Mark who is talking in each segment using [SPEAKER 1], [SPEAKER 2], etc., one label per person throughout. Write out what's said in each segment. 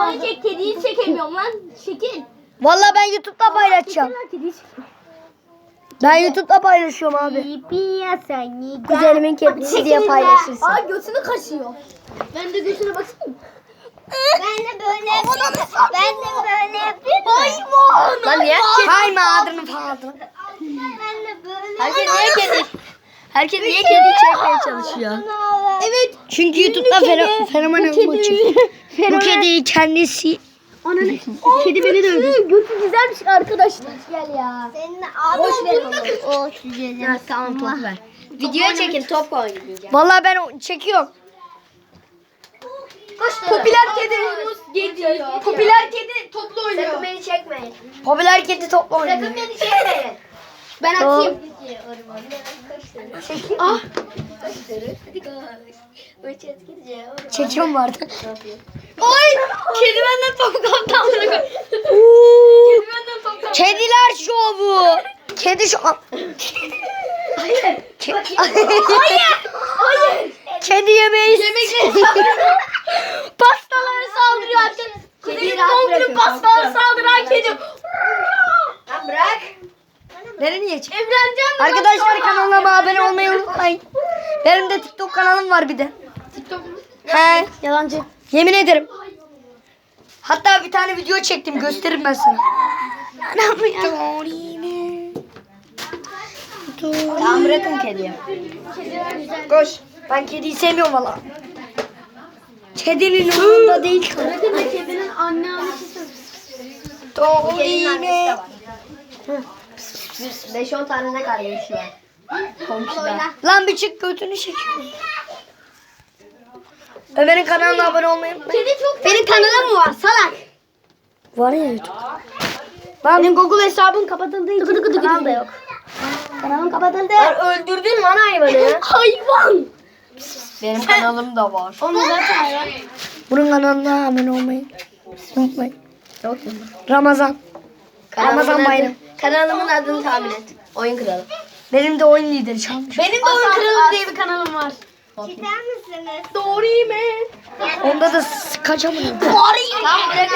[SPEAKER 1] Onu çek, kediyi çekemiyorum lan. Çekil.
[SPEAKER 2] Vallahi ben YouTube'da paylaşacağım.
[SPEAKER 1] Kediyi çek.
[SPEAKER 2] Ben YouTube'da paylaşıyorum abi. Kuzenimin kedisi diye paylaşırsın.
[SPEAKER 1] Aa götünü kaşıyor. Ben de götüne bakayım.
[SPEAKER 3] Ben de böyle yapayım. Ben de böyle yapayım.
[SPEAKER 1] Hayvan.
[SPEAKER 2] Lan niye kayma adını falan.
[SPEAKER 3] Ben de böyle.
[SPEAKER 2] Herkes niye kedi çekmeye çalışıyor?
[SPEAKER 1] Evet.
[SPEAKER 2] Çünkü YouTube'da fenomen olmak için. Bu kediyi kendisi...
[SPEAKER 1] Ananı. Kedi beni dövdü. Götü güzelmiş arkadaşlar.
[SPEAKER 3] Gel ya. Senin abi o
[SPEAKER 2] Ya tamam top ver. Videoya çekin top oynayacağım. Vallahi ben çekiyorum.
[SPEAKER 1] Popüler kedi. Geliyor. Popüler kedi toplu oynuyor.
[SPEAKER 3] Sakın beni çekmeyin.
[SPEAKER 2] Popüler kedi topla oynuyor.
[SPEAKER 3] Sakın beni çekmeyin.
[SPEAKER 1] Ben atayım. Ah.
[SPEAKER 2] Çekiyorum vardı.
[SPEAKER 1] Oy. Kedi benden top kaptı. Kedi benden top kaptı.
[SPEAKER 2] Kediler şovu. Kedi şovu.
[SPEAKER 1] Hayır. Hayır.
[SPEAKER 2] Kedi yemeği.
[SPEAKER 1] Pastalara saldırıyor arkadaşlar.
[SPEAKER 3] Kediyi
[SPEAKER 1] Kuzenim
[SPEAKER 3] rahat
[SPEAKER 1] doğum günü
[SPEAKER 3] bırakın,
[SPEAKER 1] pastalara
[SPEAKER 3] korktu.
[SPEAKER 1] saldıran kedi.
[SPEAKER 3] Lan bırak.
[SPEAKER 2] Nereye çek?
[SPEAKER 1] Evleneceğim mi?
[SPEAKER 2] Arkadaşlar kanalıma abone olmayı unutmayın. Benim de TikTok kanalım var bir de.
[SPEAKER 1] TikTok mu?
[SPEAKER 2] He, yalancı. Yemin ederim. Hatta bir tane video çektim, gösteririm ben sana.
[SPEAKER 3] Tamam bırakın kediyi.
[SPEAKER 2] Koş. Ben kediyi sevmiyorum valla. Kedinin umurunda değil.
[SPEAKER 1] Bırakın da kedinin anne annesi.
[SPEAKER 3] Kedinin annesi de var. 5-10 tane ne kardeşi var. Komşuda.
[SPEAKER 2] Lan bir çık götünü çekiyorum. Ömer'in kanalına abone olmayı unutmayın.
[SPEAKER 1] Kedi çok
[SPEAKER 3] Benim kanalım mı var salak?
[SPEAKER 2] Var ya YouTube.
[SPEAKER 1] Benim Google hesabım kapatıldığı için kanal da yok.
[SPEAKER 3] Kanalım kapatıldı. Öldürdün lan hayvanı.
[SPEAKER 1] Hayvan.
[SPEAKER 2] Benim kanalım da var.
[SPEAKER 1] Onu zaten hayvan.
[SPEAKER 2] Bunun kanalına abone olmayı unutmayın.
[SPEAKER 3] Yok.
[SPEAKER 2] Ramazan. Ramazan bayramı.
[SPEAKER 3] Kanalımın adını tahmin et. Oyun kralı.
[SPEAKER 2] Benim de oyun lideri çalmış.
[SPEAKER 1] Benim de oyun kralı diye bir kanalım var.
[SPEAKER 3] Çeker misiniz?
[SPEAKER 1] Doğru mu?
[SPEAKER 2] Onda da kaçamıyorum.
[SPEAKER 3] Tamam bırakın.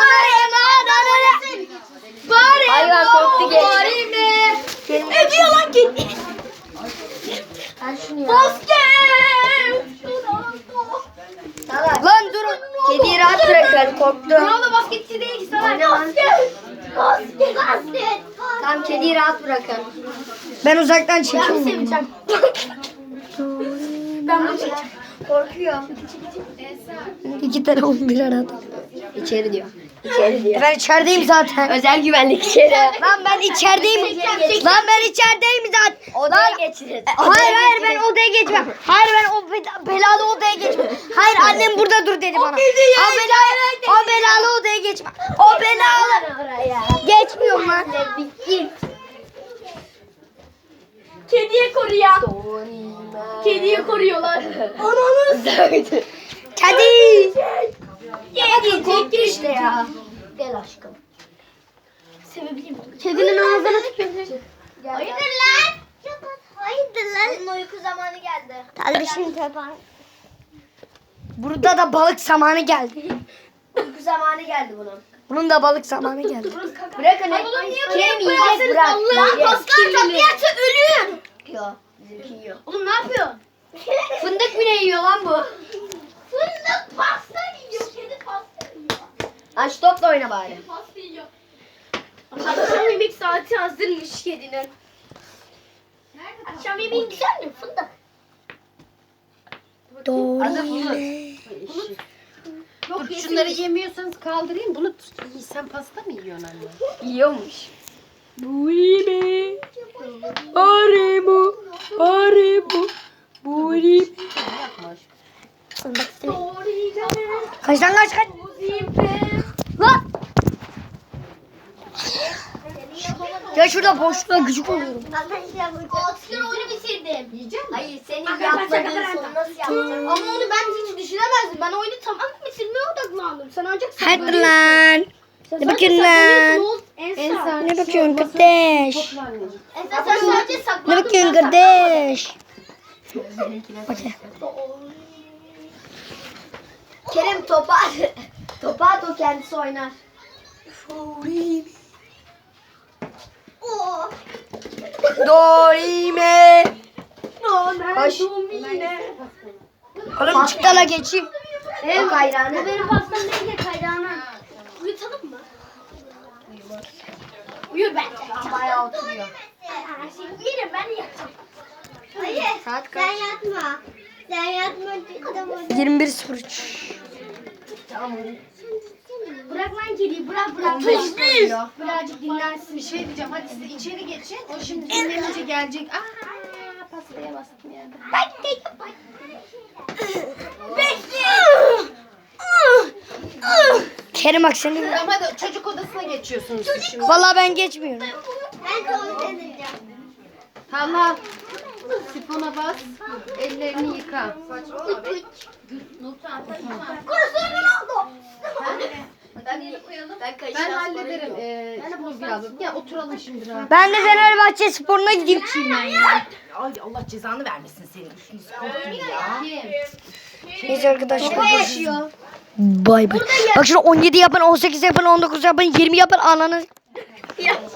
[SPEAKER 1] Bari.
[SPEAKER 3] Hayvan korktu geç.
[SPEAKER 1] Bari mi? Ne diyor lan kedi?
[SPEAKER 3] Ben şunu ya.
[SPEAKER 1] Basket.
[SPEAKER 3] Salak.
[SPEAKER 2] Lan durun.
[SPEAKER 3] Kediyi rahat bırakın korktu.
[SPEAKER 1] Ronaldo basketçi değil ki sana. Basket. Basket. Basket.
[SPEAKER 3] Tamam kediyi rahat bırakın.
[SPEAKER 2] Ben uzaktan
[SPEAKER 1] Ben
[SPEAKER 2] çekiyorum.
[SPEAKER 1] seveceğim. Ben bunu çekeceğim.
[SPEAKER 3] Korkuyor.
[SPEAKER 2] 2 tane 11 arada.
[SPEAKER 3] İçeri diyor. İçeri diyor.
[SPEAKER 2] Ben içerideyim zaten.
[SPEAKER 3] Özel güvenlik içeri.
[SPEAKER 2] Lan ben içerideyim. Lan ben içerideyim zaten.
[SPEAKER 3] Odaya geçirin.
[SPEAKER 2] Hayır ben odaya geçmem. Hayır ben o belalı odaya geçmem. Hayır annem burada dur dedi bana. O belalı odaya geçmem. O belalı.
[SPEAKER 3] Oraya.
[SPEAKER 2] Geçmiyorum lan.
[SPEAKER 3] Bitti.
[SPEAKER 1] Kediye koruyan. Kediye koruyorlar.
[SPEAKER 2] Kedi.
[SPEAKER 3] Hadi korktu işte ya. Gel aşkım.
[SPEAKER 1] Sevebilirim. Kedinin ağzına tükürdü.
[SPEAKER 3] Hayırdır lan? Hayırdır lan? Bunun uyku zamanı geldi.
[SPEAKER 2] Kardeşim tepen. Burada da balık zamanı geldi.
[SPEAKER 3] Uyku zamanı geldi bunun.
[SPEAKER 2] Bunun da balık zamanı geldi.
[SPEAKER 3] Bırakın.
[SPEAKER 1] Oğlum niye
[SPEAKER 3] Kim
[SPEAKER 1] buraya
[SPEAKER 3] yiyecek bırak.
[SPEAKER 1] Lan paslar kapıyarsa ölür.
[SPEAKER 3] Yok. Bizimki yiyor.
[SPEAKER 1] Oğlum ne yapıyor?
[SPEAKER 3] Fındık bile yiyor lan bu.
[SPEAKER 1] Fındık pasta yiyor. Kedi pasta yiyor.
[SPEAKER 3] Aç topla oyna bari.
[SPEAKER 1] Kedi pasta yiyor. Akşam yemek saati hazırmış kedinin. Akşam yemeğin güzel mi? Fındık.
[SPEAKER 2] Doğru.
[SPEAKER 1] Yok
[SPEAKER 4] Şunları yemiyorsanız kaldırayım. Bunu sen pasta mı yiyorsun anne?
[SPEAKER 3] Yiyormuş.
[SPEAKER 2] Bu iyi mi? Bari bu. Bari bu. Bu iyi mi? Kaç lan kaç. Lan. Ya şurada boşluğa gıcık oluyorum.
[SPEAKER 1] Altı oyunu bitirdim.
[SPEAKER 3] Hayır senin yapmadığın son nasıl yaptın?
[SPEAKER 1] Ama onu ben hiç düşünemezdim. Ben oyunu tamamen bitirmeye odaklandım. Sen ancak
[SPEAKER 2] Hadi lan. Ne bakıyorsun lan?
[SPEAKER 1] Ensar.
[SPEAKER 2] Ne bakıyorsun kardeş?
[SPEAKER 1] Ensar sen sadece
[SPEAKER 2] Ne
[SPEAKER 1] saklandın.
[SPEAKER 2] bakıyorsun kardeş?
[SPEAKER 3] Kerem topa topa at o
[SPEAKER 2] kendisi oynar.
[SPEAKER 3] Oo.
[SPEAKER 2] Dorime. Koş. Oğlum
[SPEAKER 1] Pasta.
[SPEAKER 2] çık da la geçeyim. Bak ayranı.
[SPEAKER 1] Bu benim pastam değil de kayrağına. Uyutalım mı? Uyur bence.
[SPEAKER 4] Bayağı oturuyor.
[SPEAKER 1] Yerim ben yatacağım.
[SPEAKER 3] Hayır.
[SPEAKER 2] Saat
[SPEAKER 3] Sen
[SPEAKER 2] kaç?
[SPEAKER 3] yatma. Sen yatma. Tamam.
[SPEAKER 2] 21.03.
[SPEAKER 1] Bırak lan kediyi bırak bırak.
[SPEAKER 4] 15 oluyor.
[SPEAKER 1] Birazcık dinlensin.
[SPEAKER 4] Bir şey diyeceğim. Hadi siz içeri geçin. O şimdi dinlenince gelecek. Aa, pastaya bastım yerde.
[SPEAKER 2] Kerim bak seni.
[SPEAKER 4] Tamam hadi çocuk odasına geçiyorsunuz siz şimdi.
[SPEAKER 2] Vallahi ben geçmiyorum.
[SPEAKER 3] Ben tuvalet edeceğim.
[SPEAKER 4] Talha. Sifona bas. Ellerini yıka. Ben hallederim. Sifon biraz. Ya oturalım şimdi rahat.
[SPEAKER 2] Ben de Fenerbahçe Spor'una gideyim.
[SPEAKER 5] Ay Allah cezanı vermesin senin. Üstünü korktun ya.
[SPEAKER 4] Kim?
[SPEAKER 2] Neyse arkadaşlar.
[SPEAKER 1] Yaşıyor.
[SPEAKER 2] Bay bay. Bak şunu 17 yapın, 18 yapın, 19 yapın, 20 yapın ananı.